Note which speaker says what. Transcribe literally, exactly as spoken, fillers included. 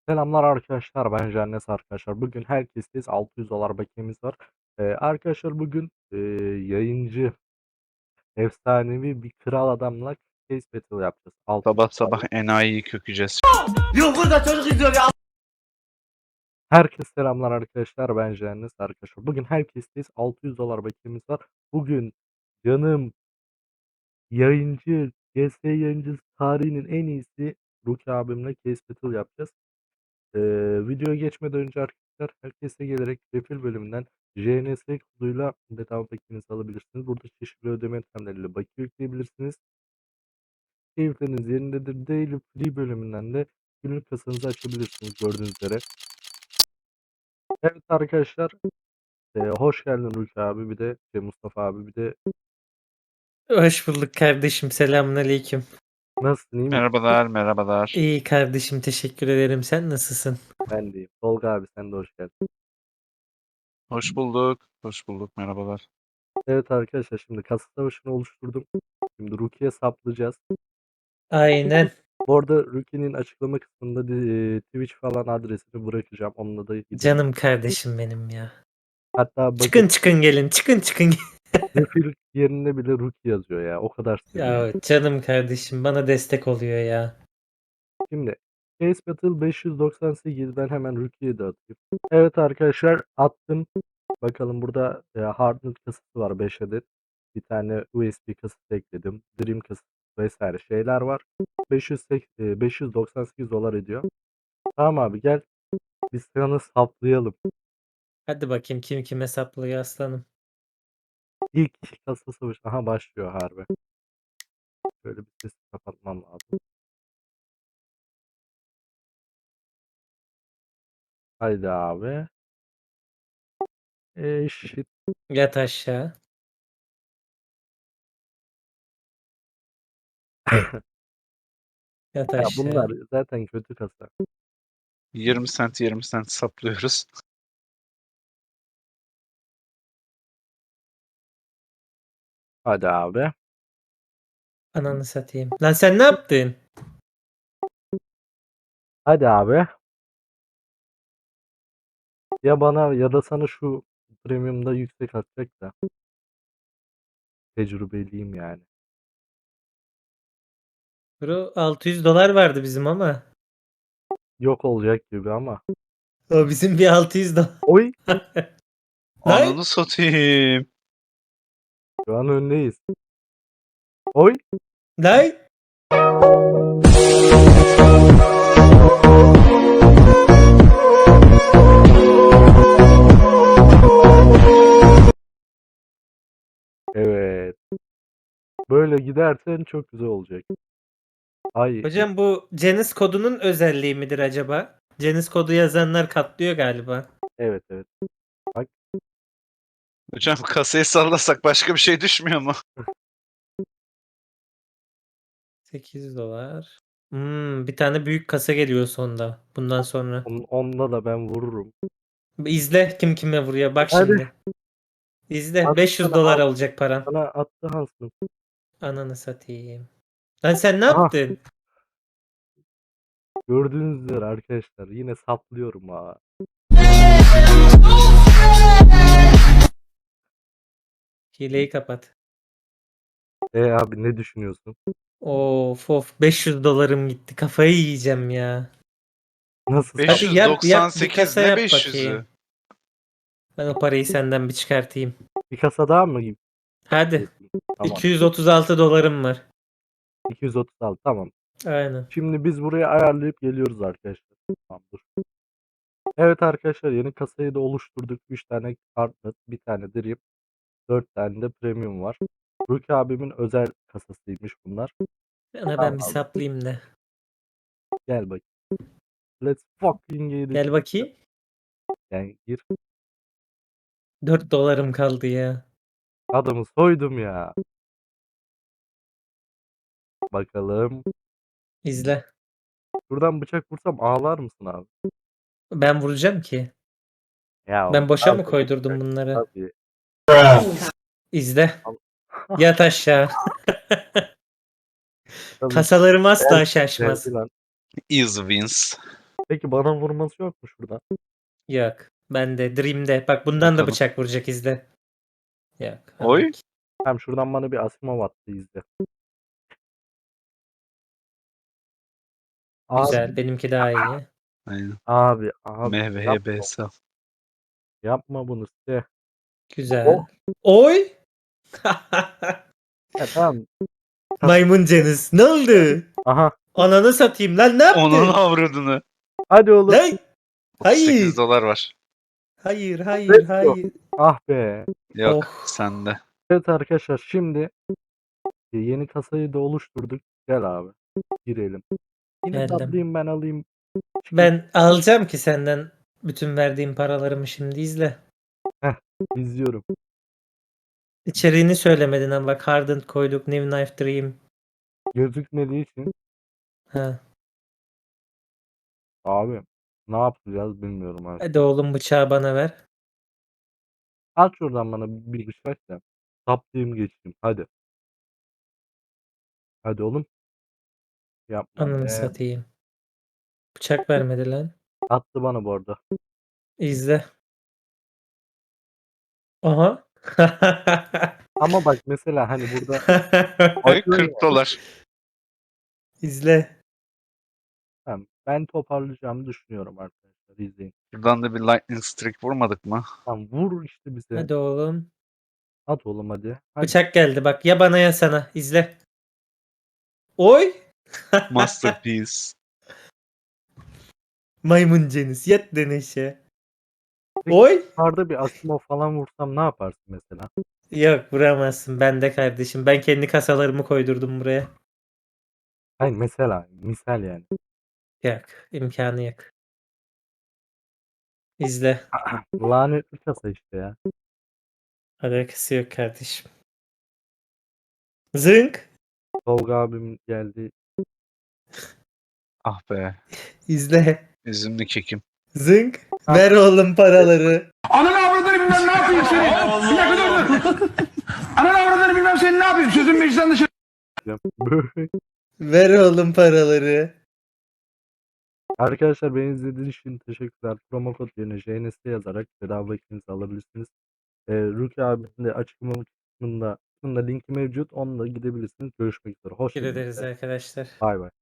Speaker 1: Selamlar arkadaşlar, ben Jannes arkadaşlar. Bugün herkesteyiz. altı yüz dolar bakiyemiz var. Ee, arkadaşlar bugün e, yayıncı, efsanevi bir kral adamla case battle yapacağız. altı yüz
Speaker 2: Sabah sabah
Speaker 1: dolar.
Speaker 2: enayiyi kökeceğiz.
Speaker 3: Yok burada çocuk izliyor ya.
Speaker 1: Herkese selamlar arkadaşlar, ben Jannes arkadaşlar. Bugün herkesteyiz. altı yüz dolar bakiyemiz var. Bugün canım yayıncı, G S yayıncısı tarihinin en iyisi Ruki abimle case battle yapacağız. Ee, videoya geçmeden önce arkadaşlar herkese gelerek refil bölümünden J N S koduyla bedava paketinizi alabilirsiniz. Burada çeşitli ödeme yöntemleriyle bakiye yükleyebilirsiniz. Keyifleriniz yerindedir. Daily Free bölümünden de günlük kasanızı açabilirsiniz gördüğünüz üzere. Evet arkadaşlar, e, hoş geldin Ülke abi, bir de şey, Mustafa abi, bir de
Speaker 4: Hoş bulduk kardeşim. Selamünaleyküm.
Speaker 1: nasılsın, iyi misin?
Speaker 2: Merhabalar, merhabalar.
Speaker 4: İyi kardeşim, teşekkür ederim. Sen nasılsın?
Speaker 1: Ben deyim. Tolga abi, sen de hoş geldin.
Speaker 2: Hoş bulduk. Hoş bulduk, merhabalar.
Speaker 1: Evet arkadaşlar, şimdi kasa savaşını oluşturdum. Şimdi Ruki'ye saplayacağız.
Speaker 4: Aynen.
Speaker 1: Bu arada Ruki'nin açıklama kısmında di- Twitch falan adresini bırakacağım. Onunla da gidin.
Speaker 4: Canım kardeşim benim ya.
Speaker 1: Hatta bakın,
Speaker 4: Çıkın çıkın gelin. Çıkın çıkın gelin.
Speaker 1: refil yerine bile Ruki yazıyor ya. O kadar seviyorum.
Speaker 4: Ya canım kardeşim bana destek oluyor ya.
Speaker 1: Şimdi Case Battle beş yüz doksan sekiz, ben hemen Ruki'ye de atayım. Evet arkadaşlar, attım. Bakalım burada e, Hardnet kasası var beş adet. Bir tane U S B kasası ekledim. Dream kasası vesaire şeyler var. beş yüz sek- e, beş yüz doksan sekiz dolar ediyor. Tamam abi, gel. Biz sana saplayalım.
Speaker 4: Hadi bakayım kim kim hesaplıyor aslanım.
Speaker 1: İlk kasa savaşı. Aha, başlıyor harbi. Şöyle bir sesi kapatmam lazım. Haydi abi. Eşit.
Speaker 4: Yat aşağı. Yat
Speaker 1: Ya bunlar
Speaker 4: aşağı.
Speaker 1: zaten kötü kasa.
Speaker 2: yirmi sent yirmi sent saplıyoruz.
Speaker 1: Hadi abi.
Speaker 4: Ananı satayım. Lan sen ne yaptın?
Speaker 1: Hadi abi. Ya bana ya da sana şu premiumda yüksek atacak da. Tecrübeliyim yani.
Speaker 4: Bro altı yüz dolar vardı bizim ama.
Speaker 1: Yok olacak gibi ama.
Speaker 4: O bizim bir altı yüz dolar.
Speaker 1: Oy.
Speaker 4: Lan
Speaker 2: Ananı satayım.
Speaker 1: Şu an öndeyiz. Oy.
Speaker 4: lan.
Speaker 1: Evet. Böyle gidersen çok güzel olacak. Ay.
Speaker 4: Hocam bu Cenis kodunun özelliği midir acaba? Cenis kodu yazanlar katlıyor galiba.
Speaker 1: Evet evet. Bak.
Speaker 2: Hocam kasayı sallasak başka bir şey düşmüyor mu?
Speaker 4: sekiz dolar. Hmm, bir tane büyük kasa geliyor sonda. Bundan sonra.
Speaker 1: On, onunla da ben vururum.
Speaker 4: İzle kim kime vuruyor. Bak
Speaker 1: Hadi.
Speaker 4: şimdi. İzle.
Speaker 1: At
Speaker 4: beş yüz
Speaker 1: sana,
Speaker 4: dolar
Speaker 1: al.
Speaker 4: olacak paran.
Speaker 1: Sana attı Hansın.
Speaker 4: Ananı satayım. Lan sen ne
Speaker 1: Aha.
Speaker 4: yaptın?
Speaker 1: Gördüğünüz üzere arkadaşlar, yine saplıyorum ha.
Speaker 4: Hileyi kapat.
Speaker 1: E abi, ne düşünüyorsun?
Speaker 4: Of of beş yüz dolarım gitti. Kafayı yiyeceğim ya.
Speaker 1: Nasıl
Speaker 4: Hadi
Speaker 1: sap?
Speaker 4: yap yap bir
Speaker 2: beş yüz doksan sekiz
Speaker 4: kasa
Speaker 2: ne
Speaker 4: yap
Speaker 2: beş yüzü?
Speaker 4: bakayım. Ben o parayı senden bir çıkartayım.
Speaker 1: Bir kasa daha mı gibi?
Speaker 4: Hadi.
Speaker 1: Tamam.
Speaker 4: iki yüz otuz altı dolarım var.
Speaker 1: iki yüz otuz altı, tamam.
Speaker 4: Aynen.
Speaker 1: Şimdi biz buraya ayarlayıp geliyoruz arkadaşlar. Tamam, dur. Evet arkadaşlar, yeni kasayı da oluşturduk. üç tane kartlet, bir tane drip, dört tane de premium var. Ruki abimin özel kasasıymış bunlar.
Speaker 4: Sana
Speaker 1: Tamam
Speaker 4: ben bir
Speaker 1: abi.
Speaker 4: saplayayım da.
Speaker 1: Gel bakayım. Let's fucking get it.
Speaker 4: Gel bakayım.
Speaker 1: Yani gir.
Speaker 4: dört dolarım kaldı ya.
Speaker 1: Adamı soydum ya. Bakalım.
Speaker 4: İzle.
Speaker 1: Şuradan bıçak vursam ağlar mısın abi?
Speaker 4: Ben vuracağım ki.
Speaker 1: Ya
Speaker 4: Ben boşa mı
Speaker 1: tabii,
Speaker 4: koydurdum bunları?
Speaker 1: tabii.
Speaker 4: İzle.
Speaker 1: Al-
Speaker 4: Yat aşağı.
Speaker 1: Tabii.
Speaker 4: Kasalarım asla
Speaker 1: Geldi
Speaker 4: şaşmaz.
Speaker 1: lan.
Speaker 2: Easy wins.
Speaker 1: Peki bana vurması yok mu şurada?
Speaker 4: Yok. Ben de Dream'de. Bak bundan da
Speaker 2: Bakalım.
Speaker 4: bıçak vuracak izle. Yok.
Speaker 2: Oy.
Speaker 4: Anlık.
Speaker 1: Hem şuradan bana bir Asimov attı izle. Abi,
Speaker 4: Güzel. Benimki daha iyi.
Speaker 2: Aynen.
Speaker 1: abi, abi
Speaker 2: M V H B
Speaker 1: yapma,
Speaker 2: hesap.
Speaker 1: yapma bunu size.
Speaker 4: Güzel. Oy!
Speaker 1: Ya tamam.
Speaker 4: Maymun Ceniz. Ne oldu?
Speaker 1: Aha.
Speaker 4: Ananı satayım lan, ne
Speaker 2: Onun
Speaker 4: yaptın?
Speaker 2: avradını.
Speaker 1: Hadi oğlum.
Speaker 4: Lan!
Speaker 2: otuz sekiz
Speaker 4: Hayır.
Speaker 2: dolar var.
Speaker 4: Hayır, hayır,
Speaker 1: Let's go.
Speaker 4: hayır.
Speaker 1: Ah be.
Speaker 2: Yok
Speaker 4: Oh.
Speaker 2: sende.
Speaker 1: Evet arkadaşlar şimdi yeni kasayı da oluşturduk. Gel abi. Girelim. Yine
Speaker 4: Geldim.
Speaker 1: tablayayım ben alayım.
Speaker 4: Ben alacağım ki senden bütün verdiğim paralarımı, şimdi izle.
Speaker 1: İzliyorum.
Speaker 4: İçeriğini söylemedin ama bak, Hardened koyduk, New Knife Dream.
Speaker 1: Gözükmediği için
Speaker 4: Ha.
Speaker 1: abi ne yapacağız bilmiyorum artık.
Speaker 4: Hadi oğlum, bıçağı bana ver.
Speaker 1: At şuradan bana bir bıçak da. Saplayayım geçeyim. Hadi. Hadi oğlum. Yapma
Speaker 4: Ananı
Speaker 1: be.
Speaker 4: satayım. Bıçak vermedi lan.
Speaker 1: Attı bana bu arada.
Speaker 4: İzle. Aha.
Speaker 1: Ama bak mesela hani burada
Speaker 2: Oy
Speaker 1: atıyorsun ya.
Speaker 2: kırk dolar.
Speaker 4: İzle.
Speaker 1: Tamam, ben toparlayacağımı düşünüyorum arkadaşlar. İzleyin.
Speaker 2: Buradan da bir lightning streak vurmadık mı?
Speaker 1: Tamam vur işte bize.
Speaker 4: Hadi oğlum.
Speaker 1: At oğlum hadi. Hadi.
Speaker 4: Bıçak geldi bak, ya bana ya sana. İzle. Oy.
Speaker 2: Masterpiece.
Speaker 4: Maymun Ceniz yat deneşe.
Speaker 1: Peki,
Speaker 4: Oy.
Speaker 1: Yukarıda bir Asimov falan vursam ne yaparsın mesela?
Speaker 4: Yok, vuramazsın. Ben de kardeşim. Ben kendi kasalarımı koydurdum buraya.
Speaker 1: Hayır mesela misal yani.
Speaker 4: Yok. imkanı yok. İzle.
Speaker 1: Lanetli kasa işte ya.
Speaker 4: Alakası yok kardeşim. Zınk.
Speaker 1: Tolga abim geldi.
Speaker 2: Ah be.
Speaker 4: İzle.
Speaker 2: Üzümlü kekim.
Speaker 4: Zınk.
Speaker 1: Ha.
Speaker 4: Ver oğlum paraları.
Speaker 3: Ananı avradını bilmem ne yapayım seni. Bir dakika dur dur. Ananı avradını bilmem seni ne yapayım. Sözün meclisten dışarı.
Speaker 1: Böyle.
Speaker 4: Ver oğlum paraları.
Speaker 1: Arkadaşlar beni izlediğiniz için teşekkürler. Promo kod yerine J N S yazarak bedava ikinizi alabilirsiniz. Ee, Ruki abinin de açıklama kısmında, kısmında linki mevcut. Onunla gidebilirsiniz. Görüşmek üzere.
Speaker 4: Teşekkür
Speaker 1: Hoşçakalın.
Speaker 4: ederiz arkadaşlar.
Speaker 1: Bay bay.